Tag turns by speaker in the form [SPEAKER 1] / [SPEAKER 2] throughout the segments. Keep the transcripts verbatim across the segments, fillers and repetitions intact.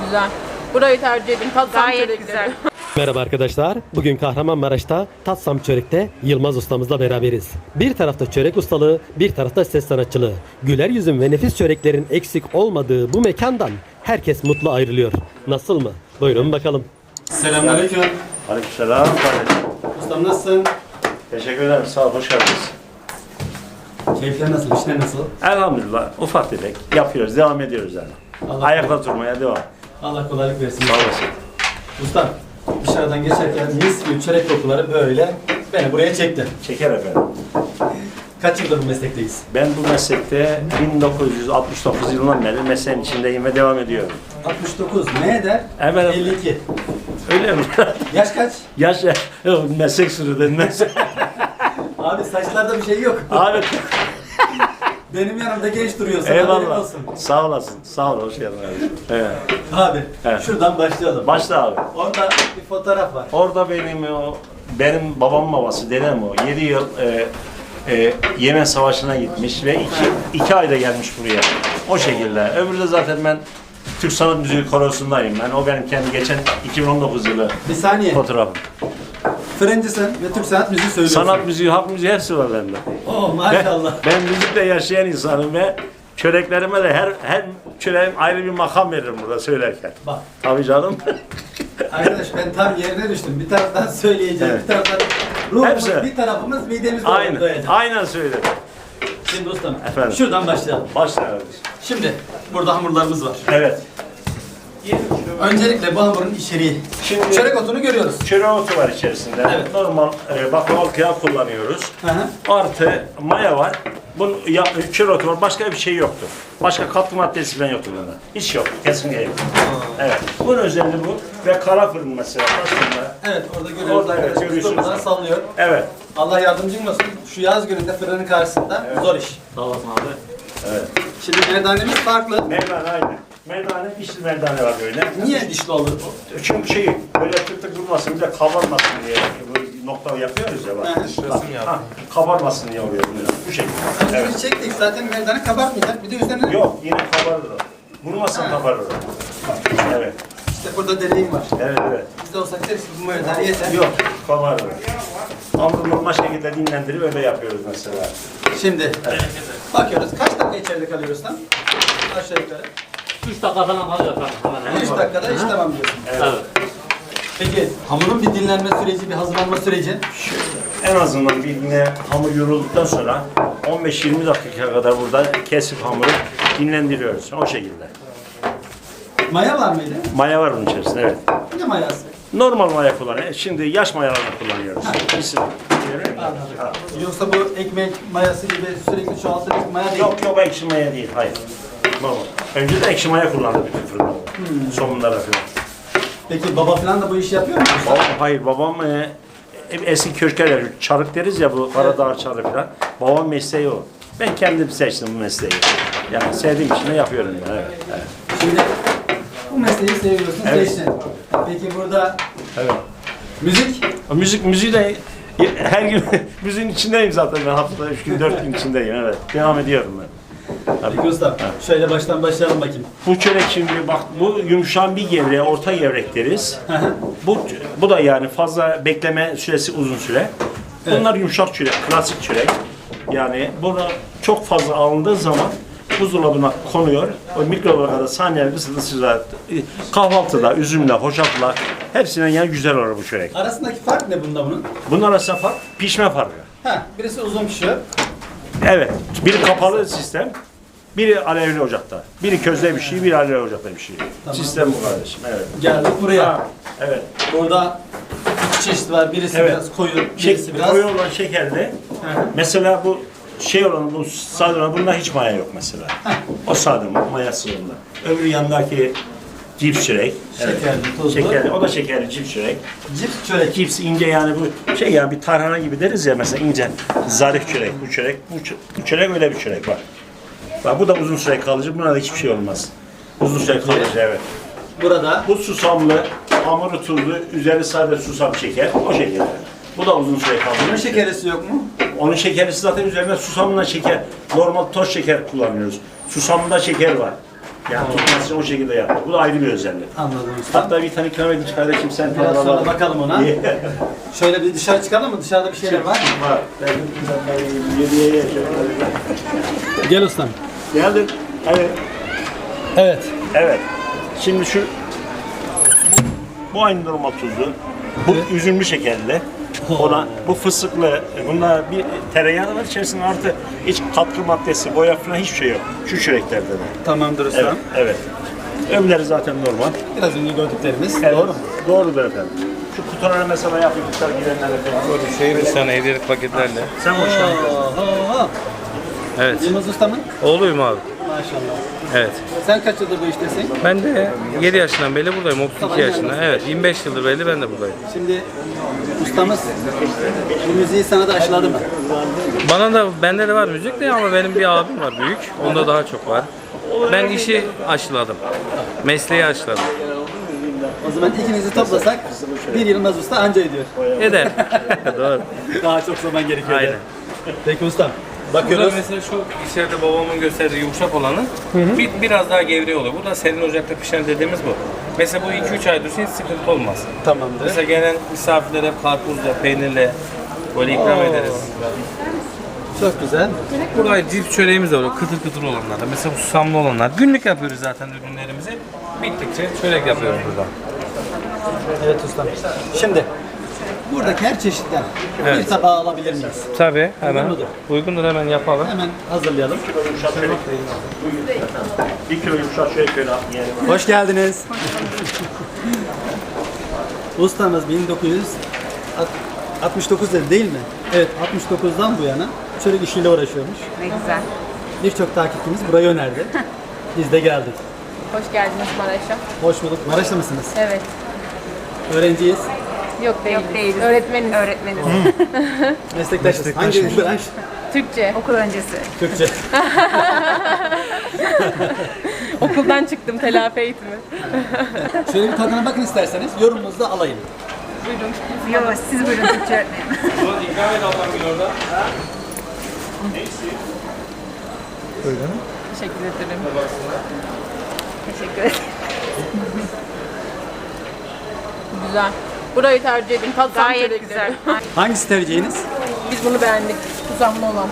[SPEAKER 1] güzel. Burayı tercih edin. Tatsam
[SPEAKER 2] Gayet
[SPEAKER 1] çörekleri.
[SPEAKER 2] güzel.
[SPEAKER 3] Merhaba arkadaşlar. Bugün Kahramanmaraş'ta Tatsam Çörek'te Yılmaz ustamızla beraberiz. Bir tarafta çörek ustalığı, bir tarafta ses sanatçılığı. Güler yüzün ve nefis çöreklerin eksik olmadığı bu mekandan herkes mutlu ayrılıyor. Nasıl mı? Buyurun bakalım.
[SPEAKER 4] Selamünaleyküm.
[SPEAKER 5] Aleykümselam.
[SPEAKER 4] Ustam nasılsın?
[SPEAKER 5] Teşekkür ederim. Sağ ol. Hoş geldiniz.
[SPEAKER 4] Keyifler nasıl? İşler nasıl?
[SPEAKER 5] Elhamdülillah. Ufak tefek yapıyoruz. Devam ediyoruz yani.
[SPEAKER 4] Allah
[SPEAKER 5] Ayakta durmaya devam.
[SPEAKER 4] Allah kolaylık versin.
[SPEAKER 5] Sağ olasın.
[SPEAKER 4] Ustam, dışarıdan geçerken mis gibi çörek kokuları böyle beni buraya çekti.
[SPEAKER 5] Çeker efendim.
[SPEAKER 4] Kaç yıldır bu meslekteyiz?
[SPEAKER 5] Ben bu meslekte bin dokuz yüz altmış dokuz yılından beri mesleğin içindeyim ve devam ediyorum.
[SPEAKER 4] altmış dokuz. Ne eder?
[SPEAKER 5] Evet.
[SPEAKER 4] elli iki.
[SPEAKER 5] Öyle mi?
[SPEAKER 4] Yaş kaç?
[SPEAKER 5] Yaş meslek sürü meslek.
[SPEAKER 4] Abi saçlarda bir şey yok.
[SPEAKER 5] Abi
[SPEAKER 4] Benim yanımda genç duruyorsun. haberin
[SPEAKER 5] eyvallah.
[SPEAKER 4] olsun.
[SPEAKER 5] Sağ olasın. Sağ ol. Hoş geldin abi. Evet.
[SPEAKER 4] Abi
[SPEAKER 5] Evet.
[SPEAKER 4] şuradan başlayalım.
[SPEAKER 5] Başla abi.
[SPEAKER 4] Orada bir fotoğraf var.
[SPEAKER 5] Orada benim o benim babam babası dedem o yedi yıl e, e, Yemen Savaşı'na gitmiş ve iki, iki ayda gelmiş buraya. O şekilde. Öbürü de zaten ben Türk Sanat Müziği Korosu'ndayım ben. O benim kendi geçen iki bin on dokuz yılı
[SPEAKER 4] Bir saniye.
[SPEAKER 5] fotoğrafım.
[SPEAKER 4] Fırıncısın ve Türk sanat müziği söylüyorsun.
[SPEAKER 5] Sanat müziği, halk müziği hepsi var bende.
[SPEAKER 4] Oh
[SPEAKER 5] Ben,
[SPEAKER 4] maşallah.
[SPEAKER 5] ben müzikle yaşayan insanım ve çöreklerime de her her çöreğim ayrı bir makam veririm burada söylerken.
[SPEAKER 4] Bak.
[SPEAKER 5] Tabii canım.
[SPEAKER 4] Arkadaş ben tam yerine düştüm. Bir taraftan söyleyeceğim,
[SPEAKER 5] Evet.
[SPEAKER 4] bir taraftan ruhumuz,
[SPEAKER 5] Hepsi.
[SPEAKER 4] bir tarafımız midemiz
[SPEAKER 5] Aynen.
[SPEAKER 4] doyacak.
[SPEAKER 5] Aynen söyledim.
[SPEAKER 4] Şimdi ustam,
[SPEAKER 5] Efendim?
[SPEAKER 4] şuradan başlayalım.
[SPEAKER 5] Başla kardeşim.
[SPEAKER 4] Şimdi burada hamurlarımız var.
[SPEAKER 5] Evet.
[SPEAKER 4] Öncelikle bu hamurun içeriği.
[SPEAKER 5] Şimdi-
[SPEAKER 4] Çörek otunu görüyoruz.
[SPEAKER 5] Çörek otu var içerisinde.
[SPEAKER 4] Evet.
[SPEAKER 5] Normal e, baklavalık kıyağı kullanıyoruz.
[SPEAKER 4] Hı hı.
[SPEAKER 5] Artı maya var. Bunun ya, çörek otu var. Başka bir şey yoktur. Başka katkı maddesi falan yoktur bunda. Hiç yok. Kesinlikle yok. Evet. Bunun özelliği bu. Ve kara fırın mesela. Aslında.
[SPEAKER 4] Evet orada görüyoruz
[SPEAKER 5] Orada evet,
[SPEAKER 4] arkadaşlar.
[SPEAKER 5] görüyorsunuz.
[SPEAKER 4] Durmadan sallıyor.
[SPEAKER 5] Evet.
[SPEAKER 4] Allah yardımcın olsun. Şu yaz gününde fırının karşısında zor iş.
[SPEAKER 5] Sağ olasın abi. Evet.
[SPEAKER 4] Şimdi merdanemiz farklı.
[SPEAKER 5] Merdane aynı. Merdane, dişli merdane var böyle.
[SPEAKER 4] Niye dişli olur?
[SPEAKER 5] Çünkü şey böyle tık tık durmasın, bir de kabarmasın diye böyle nokta yapıyoruz ya bak.
[SPEAKER 4] Hı.
[SPEAKER 5] Bak, ha, kabarmasın diye oluyor bunu. Bu şekilde.
[SPEAKER 4] Önce
[SPEAKER 5] Evet.
[SPEAKER 4] biz çektik zaten merdane kabartmayacak. Bir de üzerine
[SPEAKER 5] Yok, yine kabarır o. Vurmasın kabarır o. Evet.
[SPEAKER 4] işte burada deliğim var.
[SPEAKER 5] Evet, evet.
[SPEAKER 4] Biz de olsak deriz ki bu merdane yeter.
[SPEAKER 5] Yok, kabarır. Hamuru normal şekilde dinlendirip öyle yapıyoruz mesela.
[SPEAKER 4] Şimdi bakıyoruz. Kaç dakika içeride kalıyoruz tam? Aşağı yukarı.
[SPEAKER 6] üç dakika falan kalıyor efendim. Hemen hemen.
[SPEAKER 4] üç dakikada iş tamam diyorsun.
[SPEAKER 6] Evet.
[SPEAKER 4] Peki hamurun bir dinlenme süreci, bir hazırlanma süreci.
[SPEAKER 5] En azından bir yine hamur yorulduktan sonra on beş yirmi dakika kadar burada kesip hamuru dinlendiriyoruz. O şekilde.
[SPEAKER 4] Maya var mıydı?
[SPEAKER 5] Maya var bunun içerisinde, evet.
[SPEAKER 4] Ne mayası?
[SPEAKER 5] Normal maya kullanıyoruz. Şimdi yaş mayalarını kullanıyoruz. İsim. Ha.
[SPEAKER 4] Yoksa bu ekmek mayası gibi sürekli çoğaltılmış maya değil.
[SPEAKER 5] Yok yok ekşi maya değil, hayır. Normal. Önce de ekşi maya kullandı bütün fırında. Hmm. Somunlara falan.
[SPEAKER 4] Peki baba falan da bu işi yapıyor mu?
[SPEAKER 5] Babam, hayır babam e, eski köşkler çarık deriz ya bu Karadağ çarığı falan. Babam mesleği o. Ben kendim seçtim bu mesleği. Yani sevdiğim için de yapıyorum yani. Evet. Evet.
[SPEAKER 4] Şimdi bu mesleği seviyorsun,
[SPEAKER 5] Evet.
[SPEAKER 4] seçtin. Peki burada
[SPEAKER 5] Evet.
[SPEAKER 4] müzik?
[SPEAKER 5] O müzik müziği de her gün müziğin içindeyim zaten ben haftada üç gün dört gün içindeyim, evet. Devam ediyorum ben.
[SPEAKER 4] Peki usta, şöyle baştan başlayalım bakayım.
[SPEAKER 5] Bu çörek şimdi bak bu yumuşağın bir gevreği, orta gevrek deriz. bu bu da yani fazla bekleme süresi uzun süre. Bunlar yumuşak çörek, klasik çörek. Yani bunu çok fazla alındığı zaman buzdolabına konuyor. O mikrodalgada saniyelik ısıda sıcak. Kahvaltıda, üzümle, hoşafla hepsinden yani güzel olur bu çörek.
[SPEAKER 4] Arasındaki fark ne bunda bunun?
[SPEAKER 5] Bunlar arasında fark, pişme farkı.
[SPEAKER 4] Ha, birisi uzun pişiyor.
[SPEAKER 5] Evet, biri kapalı sistem, biri alevli ocakta. Biri közde bir şey, biri alevli ocakta bir şey.
[SPEAKER 4] Tamam.
[SPEAKER 5] Sistem bu kardeşim, evet.
[SPEAKER 4] Geldik buraya.
[SPEAKER 5] Ha, evet.
[SPEAKER 4] Burada iki çeşit var. Birisi
[SPEAKER 5] Evet.
[SPEAKER 4] biraz koyu, birisi
[SPEAKER 5] Şey,
[SPEAKER 4] biraz...
[SPEAKER 5] koyu olan şekerli.
[SPEAKER 4] Hı hı.
[SPEAKER 5] Mesela bu şey olan, bu sade olan, bunda hiç maya yok mesela. O sade mayası onda. Öbürü yanındaki cips çörek.
[SPEAKER 4] Şekerli, tuzlu.
[SPEAKER 5] Şekerli, o da şekerli cips çörek.
[SPEAKER 4] Cips çörek.
[SPEAKER 5] Cips ince yani bu şey ya bir tarhana gibi deriz ya mesela ince zarif çörek bu çörek bu, çö- bu çörek öyle bir çörek var. Bak bu da uzun süre kalıcı, buna da hiçbir şey olmaz. Uzun süre kalıcı, evet.
[SPEAKER 4] Burada
[SPEAKER 5] Bu susamlı, hamuru tuzlu, üzeri sade susam şeker, o şekilde. Bu da uzun süre kalıcı.
[SPEAKER 4] bunun şekerlisi yok mu?
[SPEAKER 5] Onun şekerlisi zaten üzerine susamla şeker, normal toz şeker kullanıyoruz. Susamda şeker var. Yani tutmasını o şekilde yapıyor. Bu da ayrı bir özellik.
[SPEAKER 4] Anladım usta.
[SPEAKER 5] Hatta bir tane ikram edin kardeşim sen
[SPEAKER 4] Biraz
[SPEAKER 5] tadına
[SPEAKER 4] sonra
[SPEAKER 5] bak.
[SPEAKER 4] bakalım ona.
[SPEAKER 5] İyi.
[SPEAKER 4] Şöyle bir dışarı çıkalım mı? Dışarıda bir şeyler var mı?
[SPEAKER 5] Var. Ben ben yediye yiyeceğim.
[SPEAKER 4] Gel ustam.
[SPEAKER 5] Geldim. Evet.
[SPEAKER 4] Evet.
[SPEAKER 5] Evet. Şimdi şu bu aynı normal tuzlu. Bu üzümlü şekerli. Ona bu fıstıklı. Bunda bir tereyağı var içerisinde artı hiç katkı maddesi, boya falan hiçbir şey yok. Şu çöreklerde de.
[SPEAKER 4] Tamamdır ustam.
[SPEAKER 5] Evet. Evet. Öbürleri zaten normal.
[SPEAKER 4] Biraz önce gördüklerimiz.
[SPEAKER 5] Evet.
[SPEAKER 4] Doğru mu?
[SPEAKER 5] Doğrudur efendim. Şu kutulara mesela yapmışlar girenler efendim.
[SPEAKER 2] Şey bir tane hediyelik paketlerle.
[SPEAKER 5] Sen hoş geldin.
[SPEAKER 4] Oho.
[SPEAKER 2] Evet.
[SPEAKER 4] Yılmaz ustamın?
[SPEAKER 2] Oğluyum abi.
[SPEAKER 4] Maşallah.
[SPEAKER 2] Evet.
[SPEAKER 4] Sen kaç yıldır bu iştesin?
[SPEAKER 2] Ben de yedi yaşından beri buradayım. otuz iki yaşında. Evet. yirmi beş yıldır beri ben de buradayım.
[SPEAKER 4] Şimdi ustamız bu müziği sana da aşıladı mı?
[SPEAKER 2] Bana da, bende de var müzik de ama benim bir abim var büyük. Onda daha çok var. Ben işi aşıladım. Mesleği aşıladım.
[SPEAKER 4] O zaman ikinizi toplasak bir Yılmaz Usta anca ediyor.
[SPEAKER 2] Eder. Doğru.
[SPEAKER 4] Daha çok zaman gerekiyor.
[SPEAKER 2] Aynen.
[SPEAKER 4] Peki ustam.
[SPEAKER 2] Burada
[SPEAKER 4] Bakıyoruz.
[SPEAKER 2] mesela şu içeride babamın gösterdiği yumuşak olanı bir, biraz daha gevreği oluyor. Bu da serin ocakta pişen dediğimiz bu. Mesela bu iki üç ay dursun hiç sıkıntı olmaz.
[SPEAKER 4] Tamamdır.
[SPEAKER 2] Mesela gelen misafirlere karpuzla, peynirle böyle ikram ederiz.
[SPEAKER 4] Çok güzel.
[SPEAKER 2] Burada cips çöreğimiz de var, kıtır kıtır olanlar da. Mesela bu susamlı olanlar. Günlük yapıyoruz zaten ürünlerimizi. Bittikçe çörek yapıyoruz burada.
[SPEAKER 4] Evet ustam. Şimdi buradaki her çeşitten bir
[SPEAKER 2] Evet.
[SPEAKER 4] tabağı alabilir miyiz?
[SPEAKER 2] Tabii hemen.
[SPEAKER 4] Uygun mudur?
[SPEAKER 2] Uygundur, hemen yapalım.
[SPEAKER 4] Hemen hazırlayalım.
[SPEAKER 5] Yumuşak çörek. Bir kilo yumuşak çörek böyle yiyelim.
[SPEAKER 4] Hoş geldiniz. Ustamız bin dokuz yüz altmış dokuz dedi değil mi? Evet, altmış dokuzdan bu yana çörek işiyle uğraşıyormuş.
[SPEAKER 1] Ne güzel.
[SPEAKER 4] Birçok takipçimiz burayı önerdi. Biz de geldik.
[SPEAKER 1] Hoş geldiniz Maraş'a.
[SPEAKER 4] Hoş bulduk. Maraşlı mısınız?
[SPEAKER 1] Evet.
[SPEAKER 4] Öğrenciyiz.
[SPEAKER 1] Yok değiliz. Yok değiliz. Öğretmeniz. Öğretmeniz.
[SPEAKER 4] Meslektaşız. Hangi branş?
[SPEAKER 1] Türkçe. Okul öncesi.
[SPEAKER 4] Türkçe.
[SPEAKER 1] Okuldan çıktım telafi eğitimi.
[SPEAKER 4] Şöyle bir tadına bakın isterseniz. Yorumunuzu da alayım.
[SPEAKER 1] Buyurun. Yok siz buyurun Türkçe öğretmenim.
[SPEAKER 2] İkram et ablam gün orada.
[SPEAKER 1] Teşekkür ederim. Teşekkür ederim. Güzel. Burayı tercih edin. Tatsam
[SPEAKER 7] Gayet güzel.
[SPEAKER 4] Hangisi tercihiniz?
[SPEAKER 1] Biz bunu beğendik. Susamlı olan.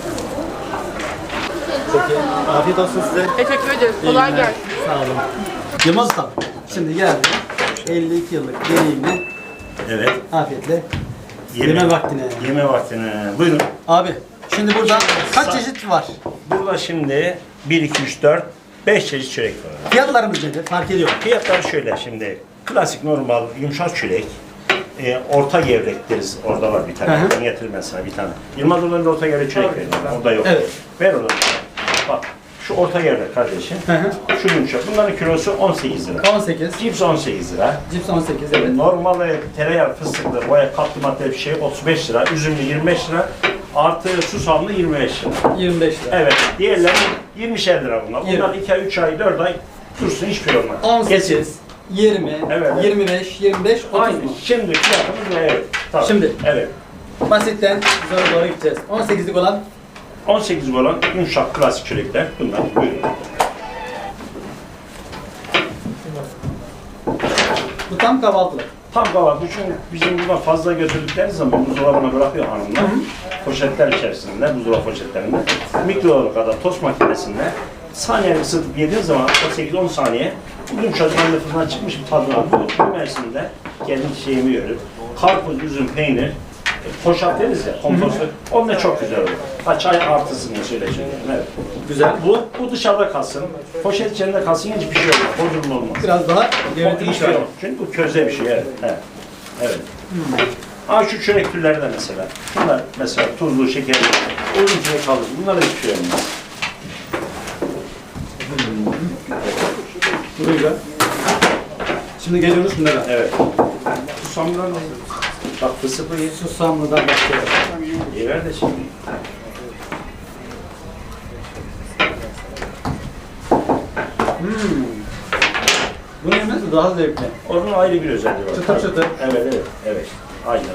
[SPEAKER 4] Peki. Afiyet olsun size.
[SPEAKER 1] Teşekkür ederiz.
[SPEAKER 4] İyi
[SPEAKER 1] Kolay
[SPEAKER 4] günler.
[SPEAKER 1] gelsin.
[SPEAKER 4] Sağ olun. Yılmaz Usta. Şimdi geldi. elli iki yıllık deneyimle
[SPEAKER 5] Evet.
[SPEAKER 4] afiyetle yeme vaktine.
[SPEAKER 5] Yeme vaktine. Buyurun.
[SPEAKER 4] Abi şimdi burada kaç çeşit var?
[SPEAKER 5] Burada şimdi bir, iki, üç, dört, beş çeşit çörek var.
[SPEAKER 4] Fiyatlarımız nedir? Fark ediyor.
[SPEAKER 5] Fiyatlar şöyle şimdi. Klasik normal yumuşak çörek. E, orta gevrek deriz. Orada var bir tane.
[SPEAKER 4] Hı hı.
[SPEAKER 5] Ben getireyim ben sana bir tane. Yılmaz Ulan'da orta gevrek çörek verin. Orada yok.
[SPEAKER 4] Evet.
[SPEAKER 5] Ver onu. Bak. Şu orta gevrek kardeşim.
[SPEAKER 4] Hı hı.
[SPEAKER 5] Şu yumuşak. Bunların kilosu on sekiz lira.
[SPEAKER 4] on sekiz.
[SPEAKER 5] Cips on sekiz lira.
[SPEAKER 4] Cips on sekiz evet.
[SPEAKER 5] Normal e, tereyağı, fıstıklı, boya katkı madde bir şey otuz beş lira. Üzümlü yirmi beş lira. Artı susamlı yirmi beş lira.
[SPEAKER 4] yirmi beş lira.
[SPEAKER 5] Evet. Diğerleri yirmişer lira bunlar.
[SPEAKER 4] Yirmi.
[SPEAKER 5] Bunlar iki ay, üç ay, dört ay dursun hiçbir şey olmaz.
[SPEAKER 4] on
[SPEAKER 5] Kesin.
[SPEAKER 4] sekiz, yirmi,
[SPEAKER 5] Evet.
[SPEAKER 4] yirmi beş, yirmi beş, otuz
[SPEAKER 5] Aynı.
[SPEAKER 4] mu?
[SPEAKER 5] Şimdi fiyatımız ne? Evet. Tabii.
[SPEAKER 4] Şimdi.
[SPEAKER 5] Evet.
[SPEAKER 4] Basitten zora doğru gideceğiz. on sekizlik olan
[SPEAKER 5] on sekiz olan yumuşak klasik çörekler bunlar. Buyurun.
[SPEAKER 4] bu tam kahvaltılık.
[SPEAKER 5] Tam kahvaltı için bizim buradan fazla götürdükleri zaman buzdolabına bırakıyor hanımlar. Poşetler içerisinde, buzdolabı poşetlerinde. Mikrodalga kadar tost makinesinde saniye ısıtıp yediğin zaman sekiz on saniye bu yumuşacık anne fırından çıkmış bir tadı var. Bu, bu mevsimde kendi şeyimi görüp karpuz, üzüm, peynir, e, poşet deriz ya, kompostu. Onunla çok güzel olur. Ha, çay artısını söyleyeceğim. Evet.
[SPEAKER 4] Güzel.
[SPEAKER 5] Bu, bu dışarıda kalsın. Poşet içinde kalsın hiçbir şey olmaz. Bozulma olmaz.
[SPEAKER 4] Biraz daha
[SPEAKER 5] O
[SPEAKER 4] devletin
[SPEAKER 5] hiçbir şey yok. Çünkü bu köze bir şey. Evet. Evet. evet. Ha şu çörek türleri de mesela. Şunlar mesela tuzlu, şekerli, uzun süre kalır. Bunlar da hiçbir şey olmaz.
[SPEAKER 4] Buyurun. Şimdi geliyoruz bunlara.
[SPEAKER 5] Evet. Susamlar ne? Bak fıstıklı ye.
[SPEAKER 4] Susamlı'dan başlayalım.
[SPEAKER 5] Ye ver de şimdi.
[SPEAKER 4] Bunu yemesi daha zevkli.
[SPEAKER 5] Onun ayrı bir özelliği var.
[SPEAKER 4] Çıtır
[SPEAKER 5] Tabii.
[SPEAKER 4] çıtır.
[SPEAKER 5] Evet, evet, evet. Aynen.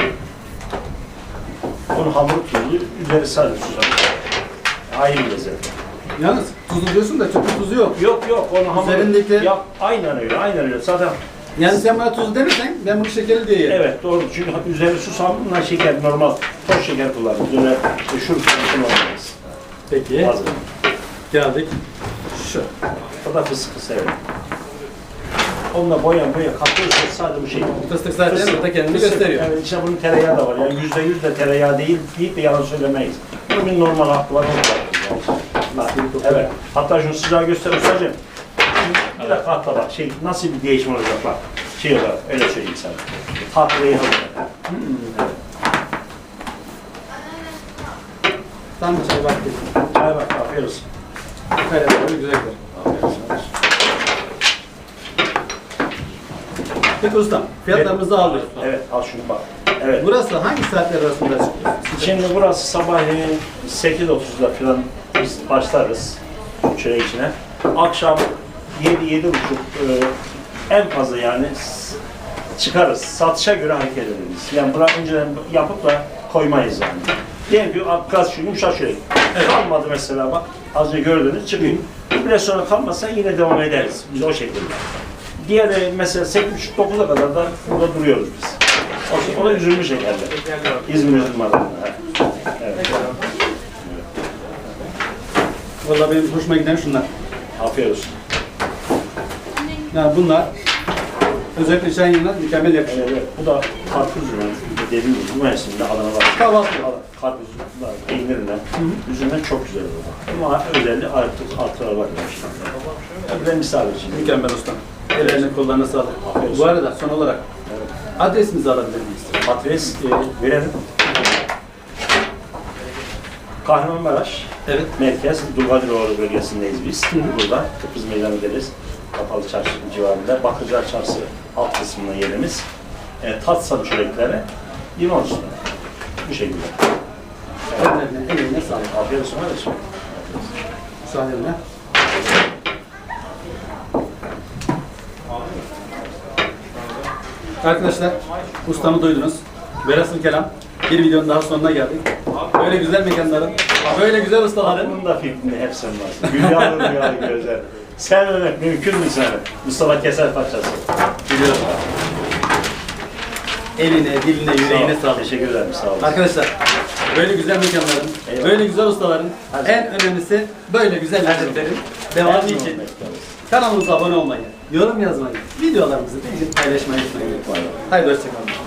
[SPEAKER 5] Onun hamuru tuzlu, üzeri sadece susam. Ayrı bir lezzet.
[SPEAKER 4] Yalnız tuzlu diyorsun da çok tuzu yok.
[SPEAKER 5] Yok yok onu hamur.
[SPEAKER 4] Üzerindeki-
[SPEAKER 5] Yap, aynen öyle, aynen öyle. Zaten
[SPEAKER 4] Yani sen bana tuzlu demesen ben bunu şekerli diye yerim.
[SPEAKER 5] evet doğru. Çünkü üzeri susamla şeker normal toz şeker kullanıyoruz. Öyle şurup kullanmayız.
[SPEAKER 4] Peki.
[SPEAKER 5] Hazır.
[SPEAKER 4] Geldik. Şu.
[SPEAKER 5] O da fıstıklı severim. Onunla boya boya katıyoruz sadece bu şey.
[SPEAKER 4] Fıstık zaten burada kendini
[SPEAKER 5] Fıstık,
[SPEAKER 4] gösteriyor.
[SPEAKER 5] Evet, içine bunun tereyağı da var. Yani yüzde yüz de tereyağı değil deyip de yalan söylemeyiz. Bunun bir normal hakkı var. Onu da yapıyoruz yani. Evet. Hatta şunu sıcağı göster ustacığım. Şimdi bir dakika hatta bak şey nasıl bir değişim olacak bak. Şey olarak öyle söyleyeyim sana. Tatlıyı hazır.
[SPEAKER 4] Tam bir çay vakti.
[SPEAKER 5] Çay bak afiyet olsun.
[SPEAKER 4] Evet, böyle güzeldir.
[SPEAKER 5] Afiyet olsun.
[SPEAKER 4] Peki ustam, fiyatlarımızı alıyoruz.
[SPEAKER 5] Evet al şunu bak. Evet.
[SPEAKER 4] Burası hangi saatler arasında çıkıyor?
[SPEAKER 5] Şimdi burası sabahleyin sekiz otuzda falan biz başlarız çörek içine. Akşam yedi yedi buçuk en fazla yani s- çıkarız. Satışa göre hareket ederiz. Yani bunu önceden yapıp da koymayız yani. Diyelim ki gaz şu yumuşak çörek. Kalmadı mesela bak az önce gördünüz çıkıyor. Bir sonra kalmazsa yine devam ederiz. Biz o şekilde. Diğeri mesela sekiz buçuk dokuza kadar da burada duruyoruz biz. O, o da üzülmüş şekerler. İzmir üzüm adamı. Evet.
[SPEAKER 4] Vallahi benim hoşuma giden şunlar.
[SPEAKER 5] Afiyet olsun.
[SPEAKER 4] Yani bunlar özellikle çayın yanına mükemmel yakışıyor.
[SPEAKER 5] Evet, evet. Bu da karpuz üzümü. Dediğim gibi bu mevsimde Adana var.
[SPEAKER 4] Kahvaltı.
[SPEAKER 5] Karpuz var, peynirle. Üzümden çok güzel olur. Ama özelliği artık artıra bakmış. Bir de misal için.
[SPEAKER 4] Mükemmel ustam. Ellerine kollarına sağlık.
[SPEAKER 5] Afiyet olsun.
[SPEAKER 4] Bu arada son olarak adresimizi alabilir miyiz?
[SPEAKER 5] Adres e, verelim. Kahramanmaraş
[SPEAKER 4] Evet.
[SPEAKER 5] merkez Dulgadiroğlu bölgesindeyiz biz. Burada Kıbrıs Meydanı deriz. Kapalı Çarşı civarında. Bakırcılar Çarşı alt kısmında yerimiz. E, tatsam çörekleri limon üstüne. Bu şekilde.
[SPEAKER 4] Ellerine, eline sağlık.
[SPEAKER 5] Afiyet olsun kardeşim.
[SPEAKER 4] Müsaadenle. Arkadaşlar, ustamı duydunuz. Velhasıl kelam, bir videonun daha sonuna geldik. Böyle güzel mekanların, böyle güzel ustaların
[SPEAKER 5] Bunun da fikrini hep sen varsın. Rüyalı rüyalı gözler. Sen öyle mümkün mü sen? Mustafa Keser parçası.
[SPEAKER 4] biliyorum. Eline, diline, yüreğine
[SPEAKER 5] Sağ ol.
[SPEAKER 4] sağlık.
[SPEAKER 5] Teşekkür ederim. Sağ olun.
[SPEAKER 4] Arkadaşlar, böyle güzel mekanların,
[SPEAKER 5] Eyvallah.
[SPEAKER 4] böyle güzel ustaların,
[SPEAKER 5] Hadi.
[SPEAKER 4] en önemlisi böyle güzel lezzetlerin devamı için kanalımıza abone olmayı, yorum yazmayı, videolarımızı beğenip paylaşmayı unutmayın. Haydi hoşçakalın.